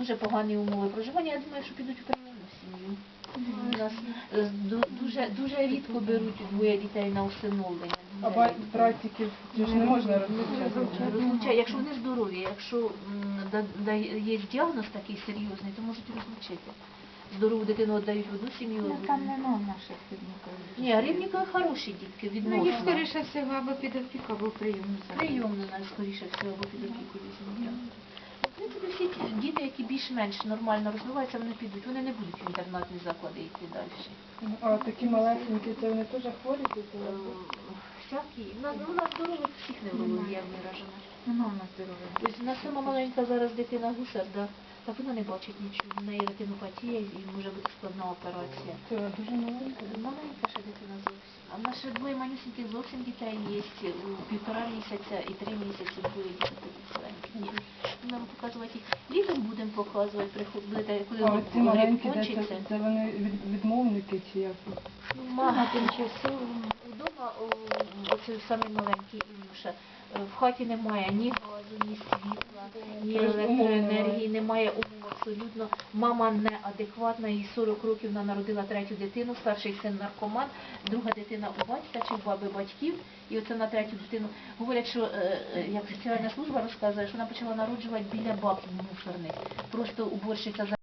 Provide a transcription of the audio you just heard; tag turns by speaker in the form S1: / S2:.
S1: дуже погані умови проживання, я думаю, що підуть у прийомну сім'ю. У нас дуже рідко беруть двоє дітей на усиновлення.
S2: А братиків ж не можна розлучати?
S1: Якщо вони здорові, якщо є діагноз такий серйозний, то можуть розлучити. Здорову дитину віддають в одну сім'ю.
S3: Там нема наших рівників.
S1: Ні, рівники хороші дітки, відносно.
S3: Ну, їх, скоріше всього, або під опіку, або прийомну.
S1: Прийомно, скоріше всього, або під опіку візьмуть. В принципі, всі ті діти, які більш-менш нормально розвиваються, вони підуть. Вони не будуть в інтернатні заклади йти далі.
S2: А такі малесенькі, це вони теж хворі?
S1: Всякі. У нас здорових всіх неврологія виражена.
S3: Нема в нас здоров'я.
S1: Ось у нас сама маленька зараз дитина гусар, да? Так вона не бачить нічого. В неї ретинопатія і може бути складна операція.
S2: Це дуже маленька?
S1: Маленька ще дитина зовсім. А в нас ще двоє манюсеньких зовсім дітей є. У 1,5 місяця і 3 місяці двоє дітей маленьких. Нам показувати їх. Літом будемо показувати, приходити, коли
S2: А ці маленькі,
S1: кончиться.
S2: це вони відмовники чи як?
S1: Мама тимчасово. Вдома, оце самий маленький Ілюша, в хаті немає ні газу, ні світла, ні електроенергії, немає умов абсолютно. Мама неадекватна, їй 40 років, вона народила 3-ю дитину, старший син наркоман, друга дитина у батька чи в баби батьків, і оце на 3-ю дитину. Говорять, що, як соціальна служба розказує, що вона почала народжувати біля бабки мусорних. Просто уборщиця